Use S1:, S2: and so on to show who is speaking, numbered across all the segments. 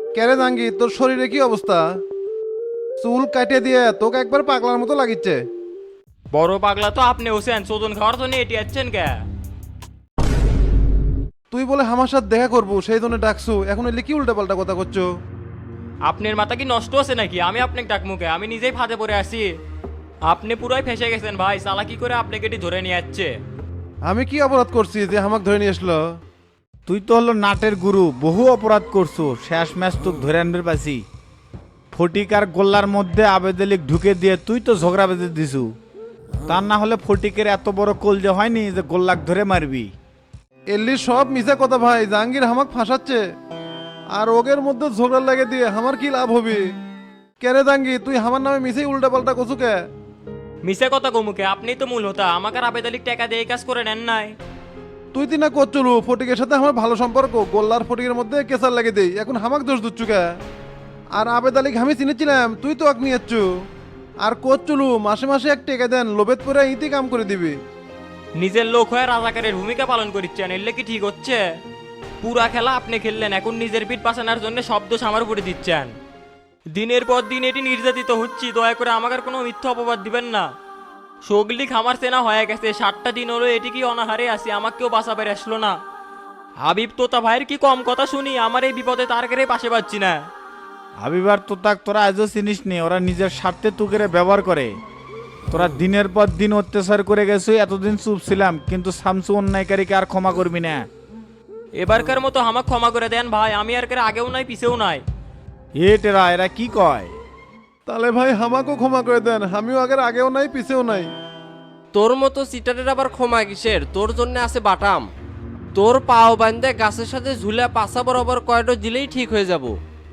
S1: কেরে জাঙ্গি তোর শরীরে কি অবস্থা? চুল কাটে দিয়ে তোকে একবার পাগলার মতো লাগিচ্ছে।
S2: বড় পাগলা তো আপনি হোসেন, চোদন খাওয়ার জন্য এটি যাচ্ছেন কে?
S1: তুই বলে আমার সাথে দেখা করবো সেই জন্য ডাকছু, এখন এলে কি উল্টাপাল্টা কথা করছো?
S2: আপনার মাথা কি নষ্ট আছে নাকি? আমি আপনাকে ডাকমুকে, আমি নিজেই ফাঁদে পড়ে আছি। আপনি পুরাই ফেসে গেছেন ভাই, চালাকি করে আপনাকে এটি ধরে নিয়ে যাচ্ছে।
S1: আমি কি অপরাধ করছি যে আমাকে ধরে নিয়ে আসলো?
S3: তুই তো হলো নাটের গুরু, বহু অপরাধ করছো, শেষ ম্যাচ তোক ধরে আনবে পাছি। ফটিক আর গোল্লার মধ্যে আবেদলিক ঢুকে দিয়ে তুই তো ঝগড়া বেঁধে দিছু। তার না হলে ফটিকের এত বড় কলজে হয়নি যে গোল্লাক ধরে মারবি।
S1: এলি সব মিছা কথা ভাই, জাহাঙ্গীর হামাক ফাঁসাচ্ছে। আর ওগের মধ্যে ঝগড়া লাগে দিয়ে আমার কি লাভ হবে? কেরে জাঙ্গি তুই আমার নামে মিছেই উল্টাপাল্টা কছু কে?
S2: মিশে কথা কমুকে, আপনি তো মূল হতা, আমাকে আর আবেদালিক টাকা দিয়ে এই কাজ করে নেন নাই।
S1: তুই তিনা করছলু ফটিকের সাথে আমার ভালো সম্পর্ক, গোল্লার ফটিকের মধ্যে কেসার লাগে দেই, এখন হামাক দোষ দিচ্ছু কে? আর আবেদ আলীকে আমি চিনেছিলাম, তুই তো আক নিয়েছু। আর করছলু মাসে মাসে এক টেকে দেন, লোভেত পরে ইতি কাম করে দিবি।
S2: নিজের লোক হয়ে রাজাকারের ভূমিকা পালন করছেন, এলে কি ঠিক হচ্ছে? পুরা খেলা আপনি খেললেন, এখন নিজের পিঠ বাঁচানোর জন্য শব্দ আমার উপরে দিচ্ছেন। দিনের পর দিন এটি নির্যাতিত হচ্ছি, দয়া করে আমাকে আর কোনো মিথ্যা অপবাদ দিবেন না। সগলি খামার সেনা হয়ে গেছে, 7টা দিন হলো এটি কি অনাহারে আছি, আমাকে কেউ বাঁচাবে আসলো না। হাবিব তোতা ভাইয়ের কি কম কথা শুনি, আমার এই বিপদে তার কেড়ে পাশে পাচ্ছি না।
S3: আবিবার তো তাক তোরা আজও চিনিস নি, ওরা নিজের স্বার্থে তুকেরে ব্যবহার করে। তোরা দিনের পর দিন অত্যাচার করে গেছো, এতদিন চুপ ছিলাম, কিন্তু শামসু অন্যায়কারীকে আর ক্ষমা করবি না।
S2: এবারকার মতো আমাকে ক্ষমা করে দেন ভাই, আমি আর কেড়ে আগেও নাই পিছেও নাই।
S3: টেরা এরা কি কয়?
S1: তাহলে ভাই হামাকও ক্ষমা করে দেন, আমিও আগেও নাই পিছেও নাই।
S4: তোর মতো সিটারের আবার ক্ষমা কিসের? তোর জন্য আছে বাটাম। তোর পাও বান্ধে গাছের সাথে ঝুলে পাশা বরাবর কয়টো দিলেই ঠিক হয়ে যাব।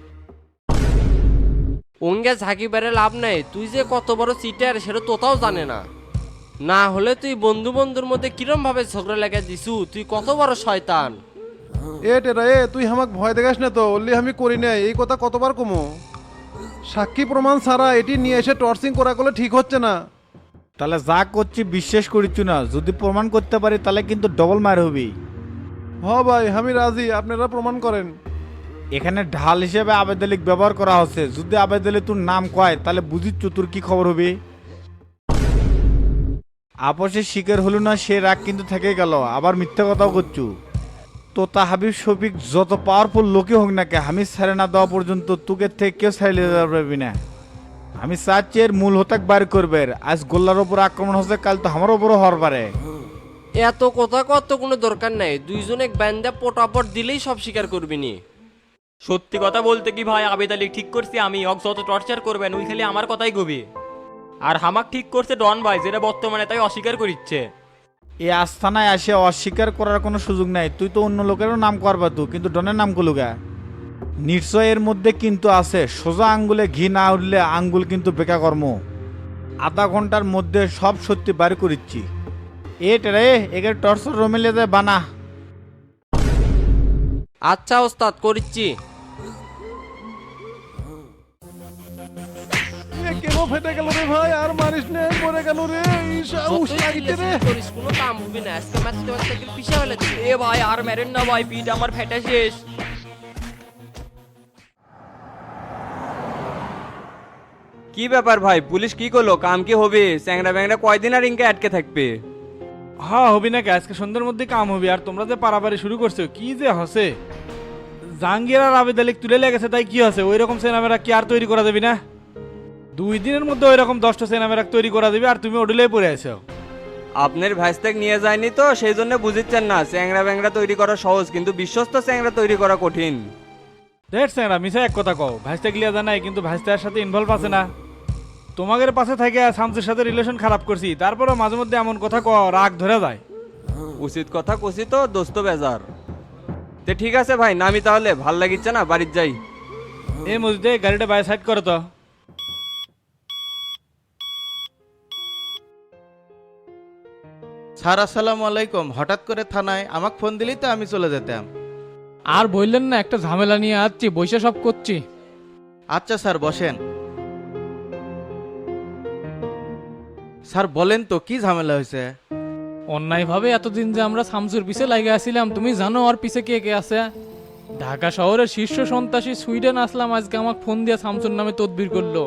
S4: ওঙ্গে ঝাঁকি বেড়ে লাভ নেই, তুই যে কত বড় সিটার সেটা তোতাও জানে না। না হলে তুই বন্ধু বন্ধুর মধ্যে কিরম ভাবে ঝগড়া লেগে দিছু, তুই কত বড় শয়তান।
S1: টেরা তুই হামাক ভয় দেখাস না তো, অল্লি আমি করি নাই এই কথা কতবার কমো। সাক্ষী প্রমাণ ছাড়া এটি নিয়ে এসে টর্চিং করা করলে ঠিক হচ্ছে না।
S3: তাহলে যা করছি বিশ্বাস করিচ্ছু না, যদি প্রমাণ করতে পারি তাহলে কিন্তু ডবল মার হবি।
S1: হ ভাই আমি রাজি, আপনারা প্রমাণ করেন।
S3: এখানে ঢাল হিসেবে আবেদলিক ব্যবহার করা হচ্ছে, যদি আবেদলি তোর নাম কয় তাহলে বুঝিচ্ছু তোর কি খবর হবে। আপসের শিকার হলো না, সে রাগ কিন্তু থেকে গেল, আবার মিথ্যা কথাও করছু। তোতা হাবিব শফিক যত পাওয়ারফুল লোকই হোক না কে, আমি ছেড়ে না দেওয়া পর্যন্ত তোকে থেকে কেউ ছাড়িয়ে দিতে পারবি না। আমি চাচ্ছি এর মূল হতাক বার করবে। আজ গোল্লার ওপর আক্রমণ হচ্ছে, কাল তো আমার ওপরও হওয়ার পারে।
S4: এত কথা কত কোনো দরকার নাই, দুইজনে বান্ধে পটাপট দিলেই সব স্বীকার করবি নি।
S2: সত্যি কথা বলতে কি ভাই, আবেদ আলী ঠিক করছি আমি, অক যত টর্চার করবেন ওই খালি আমার কথাই গবি। আর হামাক ঠিক করছে ডন ভাই, যেটা বর্তমানে তাই অস্বীকার করিচ্ছে।
S3: এই আস্থানায় আসে অস্বীকার করার কোনো সুযোগ নাই। তুই তো অন্য লোকেরও নাম করবা তো, কিন্তু ডনের নাম কলুগা। নিশ্চয় এর মধ্যে কিন্তু আছে, সোজা আঙ্গুলে ঘি না উঠলে আঙ্গুল কিন্তু বেকা কর্ম। আধা ঘন্টার মধ্যে সব সত্যি বার করিচ্ছি। রে একে টর্চর রমিলে দে বানা।
S4: আচ্ছা ওস্তাদ, করিচ্ছি।
S1: কেন ফেটে গেল রে ভাই, আর মারিস নে, মরে গেল রে।
S4: যতই চিল্লাচিল্লি করিস কোনো কাম হবে না, আজকে মারতে মারতে গেলে পিছে ফেলে দিবি।
S2: এ ভাই আর মেরেন না ভাই, পিঠ আমার ফেটে শেষ।
S5: কি ব্যাপার ভাই, পুলিশ কি করলো? কাম কি হবে? চ্যাংরা ব্যাংরা কয়দিন আর ইনকে আটকে থাকবে?
S6: হ্যাঁ হবি না, আজকে সন্ধ্যার মধ্যে কাম হবে। আর তোমরা যে পারাপারি শুরু করছো কি যে হসে। জাহাঙ্গীর আর আবেদ আলী তুলে লেগেছে, তাই কি হচ্ছে? ওই রকম সিনেমারা কি আর তৈরি করা যাবে না? 2 দিনের মধ্যে ওই রকম 10টা সিনেমারা তৈরি করা যাবে, আর তুমি ওডুলেই পড়ে আছো।
S5: আপনার ভাইস্তাক নিয়ে যায়নি তো সেই জন্য বুঝিচ্ছেন না। চ্যাংরা ব্যাংরা তৈরি করা সহজ, কিন্তু বিশ্বস্ত চ্যাংরা তৈরি করা কঠিন।
S6: দেখ স্যাংরা মিশা এক কথা কও, ভাইস্তা গিলিয়া জানাই কিন্তু ভাইস্তার সাথে ইনভলভ আছে না। তোমাদের পাশে থেকে শামসুর সাথে রিলেশন খারাপ করছি, তারপরও মাঝে মধ্যে এমন কথা কও রাগ ধরে যায়।
S5: উচিত কথা কষি তো দোস্ত বেজার। তে ঠিক আছে ভাই, নামি তাহলে, ভাল লাগিচ্ছে না, বাড়ির যাই।
S6: এই মসজিদে গাড়িটা বাই সাইড করো তো।
S7: স্যার আসসালামু আলাইকুম। হঠাৎ করে থানায় আমাকে ফোন দিলেই তো আমি চলে যেতাম।
S8: আর বললেন না, একটা ঝামেলা নিয়ে আসছি, বৈশা সব করছি।
S7: আচ্ছা স্যার বসেন। স্যার বলেন তো কি ঝামেলা হয়েছে?
S8: অন্যায়ভাবে এতদিন যে আমরা শামসুর পিছে লাগে আসছিলাম, তুমি জানো ওর পিছে কে কে আছে? ঢাকা শহরের শীর্ষ সন্ত্রাসী সুইডেন আসলাম আজকে আমাকে ফোন দিয়ে শামসুর নামে তদবির করলো।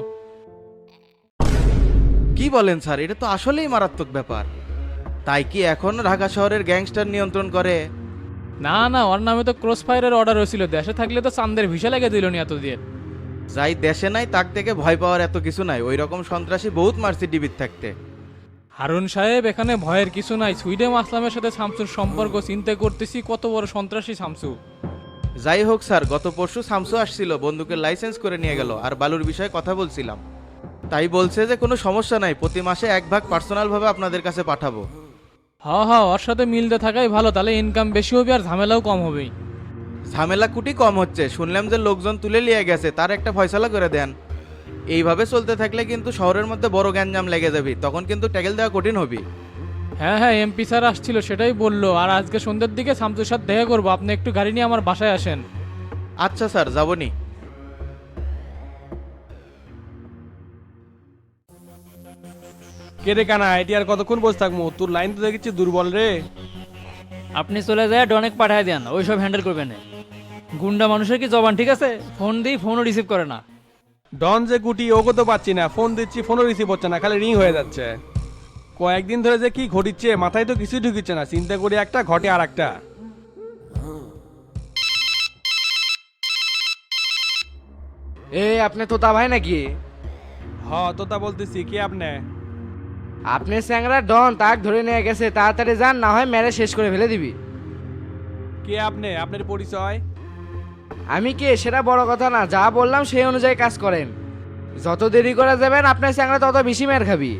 S7: কি বলেন স্যার, এটা তো আসলেই মারাত্মক ব্যাপার। তাই কি এখন ঢাকা শহরের গ্যাংস্টার নিয়ন্ত্রণ করে?
S8: না না, ওর নামে তো ক্রস ফায়ারের অর্ডার হয়েছিল, দেশে থাকলে তো চান্দের ভিসা লেগে দিল নি এতদিন।
S7: যাই দেশে নাই তার থেকে ভয় পাওয়ার এত কিছু নাই, ওই রকম সন্ত্রাসী বহুত মারছি ডিবির থাকতে।
S8: হারুন সাহেব, এখানে ভয়ের কিছু নাই। সুইডেন আসলামের সাথে শামসুর সম্পর্ক চিন্তা করতেছি, কত বড় সন্ত্রাসী শামসু।
S7: যাই হোক স্যার, গত পরশু শামসু আসছিল, বন্দুকের লাইসেন্স করে নিয়ে গেল, আর বালুর বিষয়ে কথা বলছিলাম। তাই বলছে যে কোনো সমস্যা নাই, প্রতি মাসে 1 ভাগ পার্সোনালভাবে আপনাদের কাছে পাঠাবো।
S8: হ্যাঁ হ্যাঁ, ওর সাথে মিলতে থাকাই ভালো, তাহলে ইনকাম বেশি হবে আর ঝামেলাও কম হবে।
S7: ঝামেলা কুটি কম হচ্ছে, শুনলাম যে লোকজন তুলে নিয়ে গেছে, তার একটা ফয়সালা করে দেন। এইভাবে চলতে থাকলে কিন্তু শহরের মধ্যে বড় গ্যাঞ্জাম লেগে যাবে, তখন কিন্তু ট্যাকেল দেওয়া কঠিন হবে।
S8: হ্যাঁ হ্যাঁ, এমপি স্যার আসছিল, সেটাই বললো। আর আজকে সন্ধ্যের দিকে শামসুর সাথে দেখা করবো, আপনি একটু গাড়ি নিয়ে আমার বাসায় আসেন।
S7: আচ্ছা স্যার, যাবনি।
S9: কে রে কানা, এটি আর কতক্ষণ বসে থাকবো? তোর লাইন তো দেখেছি দুর্বল রে।
S10: আপনি চলে যায় ডনেক পাঠায় দেন, ওই সব হ্যান্ডেল করবেন না। গুন্ডা মানুষের কি জবান ঠিক আছে? ফোন দিই, ফোনও রিসিভ করে না।
S9: ডন যে গুটি ওকে তো পাচ্ছি না, ফোন দিচ্ছি ফোনও রিসিভ হচ্ছে না, খালি রিং হয়ে যাচ্ছে। কয়েকদিন ধরে যে কি ঘটিচ্ছে মাথায় তো কিছুই ঢুকিচ্ছে না, চিন্তা করি একটা ঘটে আর একটা।
S4: আপনি তোতা ভাই নাকি?
S9: হ তো তা বলতেছি, কি আপনি?
S4: আপনি স্যাংরা ডন, তাক ধরে নিয়ে গেছে, তাড়াতাড়ি যান, না হয় মেরে শেষ করে ফেলে দিবি।
S9: কে আপনি? আপনার পরিচয়?
S4: আমি কে সেটা বড় কথা না, যা বললাম সেই অনুযায়ী কাজ করেন। যত দেরি করা যাবেন আপনার স্যাংরা তত বেশি মের খাবি।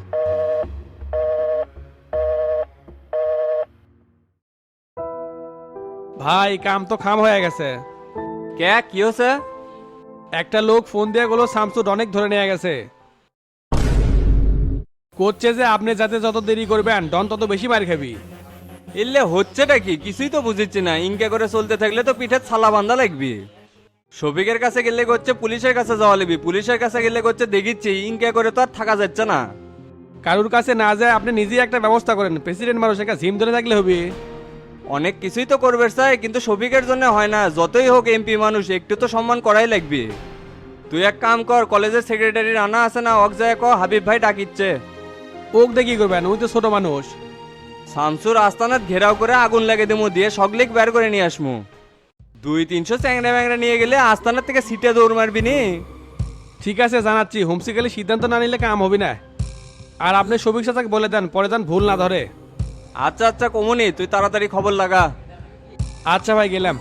S9: ভাই কাম তো খাম হয়ে গেছে।
S5: কে কি হচ্ছে?
S9: একটা লোক ফোন দিয়ে গেলো শামসু অনেক ধরে নিয়ে গেছে, করছে যে আপনি যাতে যত দেরি করবেন ডন তত বেশি মার খাবি।
S5: এলে হচ্ছেটা কি কিছুই তো বুঝিচ্ছি না, ইনকে করে চলতে থাকলে তো পিঠে ছালা বান্ধা লাগবে। শফিকের কাছে গেলে করছে পুলিশের কাছে যাওয়া লাগবে, পুলিশের কাছে গেলে করছে দেখিচ্ছি, ইনকে করে তো আর থাকা যাচ্ছে না।
S9: কারুর কাছে না যায় আপনি নিজেই একটা ব্যবস্থা করেন, প্রেসিডেন্ট মানুষের কাছে ঝিম ধরে থাকলে হবে।
S5: অনেক কিছুই তো করবে চাই, কিন্তু শফিকের জন্য হয় না। যতই হোক এমপি মানুষ, একটু তো সম্মান করাই লাগবে। তুই এক কাম কর, কলেজের সেক্রেটারি রানা আছে না, ওক যায় ক হাবিব ভাই ডাকিচ্ছে।
S9: ওক দিয়ে কি করবেন, ওই তো ছোট মানুষ।
S5: শামসুর আস্তানাত ঘেরাও করে আগুন লাগে দেবো, দিয়ে সগলিক বের করে নিয়ে আসমু। 200-300 চ্যাংরা ব্যাংরা নিয়ে গেলে আস্তানার থেকে সিটে দৌড় মারবি নি।
S9: ঠিক আছে জানাচ্ছি, হোমসিকালি সিদ্ধান্ত না নিলে কাম হবে না। আর আপনি শফিক চাচাকে বলে দেন, পরে দেন ভুল না ধরে।
S5: আচ্ছা আচ্ছা কমুনি, তুই তাড়াতাড়ি খবর লাগা।
S9: আচ্ছা ভাই, গেলাম।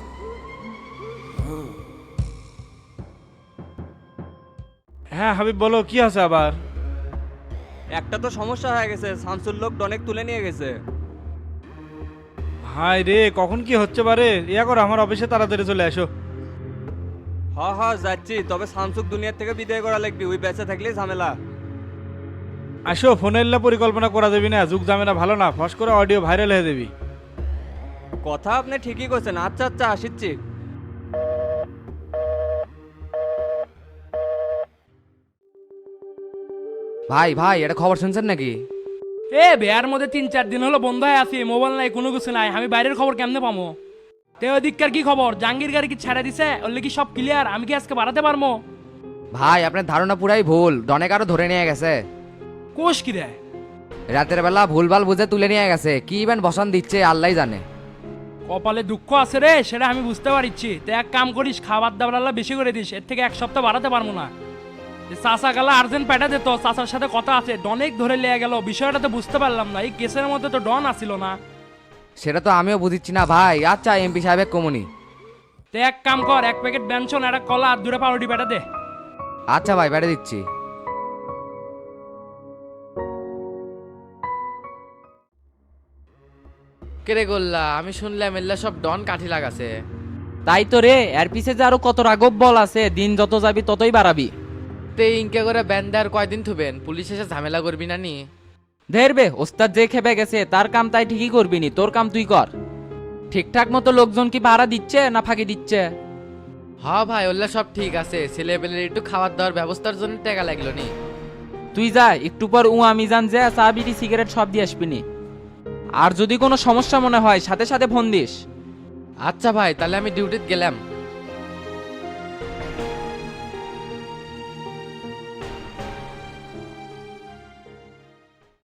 S6: হ্যাঁ হাবিব, বলো কি আছে আবার?
S5: একটা তো সমস্যা হয়ে গেছে, শামসুর লোক অনেক তুলে নিয়ে গেছে।
S6: হাই রে, কখন কি হচ্ছে বারে? ইয়া করো, আমার অফিসে তাড়াতাড়ি চলে আসো।
S5: হ হ যাচ্ছি, তবে শামসুক দুনিয়ার থেকে বিদায় করা লাগবে, ওই বেঁচে থাকলেই ঝামেলা।
S6: আসো, ফোনে এলে পরিকল্পনা করা যাবি না, যুগ জামেলা ভালো না, ফস করে অডিও ভাইরাল হয়ে যাবি।
S5: কথা আপনি ঠিকই করছেন। আচ্ছা আচ্ছা আসিচ্ছি।
S4: ভাই ভাই, এটা খবর শুনছেন নাকি?
S8: বিয়ার মধ্যে 3-4 দিন হলো বন্ধ হয়ে আছি, মোবাইল নাই, কোনো কিছু নাই, আমি বাইরের খবর কেমনে পাবো? তে ওদিককার কি খবর? জাহাঙ্গীর গাড়ি কি ছেড়ে দিছে? ওলে কি সব ক্লিয়ার? আমি কি আজকে বাড়াতে পারবো?
S4: ভাই আপনার ধারণা পুরাই ভুল, ডনেক আরো ধরে নিয়ে গেছে।
S8: কোষ কি রে?
S4: রাতের বেলা ভুলভাল বুঝে তুলে নিয়ে গেছে, কি ইভেন বসান দিচ্ছে আল্লাহ জানে।
S8: কপালে দুঃখ আছে রে, সেটা আমি বুঝতে পারছি। তো এক কাম করিস, খাবার দাবার বেশি করে দিস, এর থেকে 1 সপ্তাহ বাড়াতে পারবো না। চাচা গেলা আর্জেন্ট প্যাটা দিত, চাচার সাথে কথা আছে, ডনেক ধরে লিয়ে গেল। বিষয়টা তো বুঝতে পারলাম না, এই কেসের মধ্যে তো ডন আসিল না।
S4: সেটা তো আমিও বুঝিচ্ছি না ভাই। আচ্ছা এমপি সাহেবের কমুনি।
S8: তো এক কাম কর, 1 প্যাকেট ব্যঞ্জন, একটা কলা আর 2টা পাউরুটি প্যাটা দে।
S4: আচ্ছা ভাই, বেড়ে দিচ্ছি। কেরে গোল্লা, আমি শুনলাম এল্লা সব ডন কাঠি লাগাছে।
S10: তাই তো রে, এর পিছে যে আরো কত রাঘব বল আছে, দিন যত যাবি ততই বাড়াবি।
S4: তে ইনকে করে ব্যান্ডার কয়দিন থুবেন, পুলিশ এসে ঝামেলা করবি না নি?
S10: ধেরবে, ওস্তাদ যে খেপে গেছে তার কাম তাই ঠিকই করবি নি, তোর কাম তুই কর। ঠিকঠাক মতো লোকজন কি ভাড়া দিচ্ছে না ফাঁকি দিচ্ছে?
S4: হ্যাঁ ভাই, ওল্লা সব ঠিক আছে, ছেলেপেলের একটু খাবার দাওয়ার ব্যবস্থার জন্য টাকা লাগলো নি।
S10: তুই যা, একটু পর মিজান যে চা বিড়ি সিগারেট সব দিয়ে আসবি নি। আর যদি কোনো সমস্যা মনে হয় সাথে সাথে ফোন দিস।
S4: আচ্ছা ভাই, তাহলে আমি ডিউটিতে গেলাম।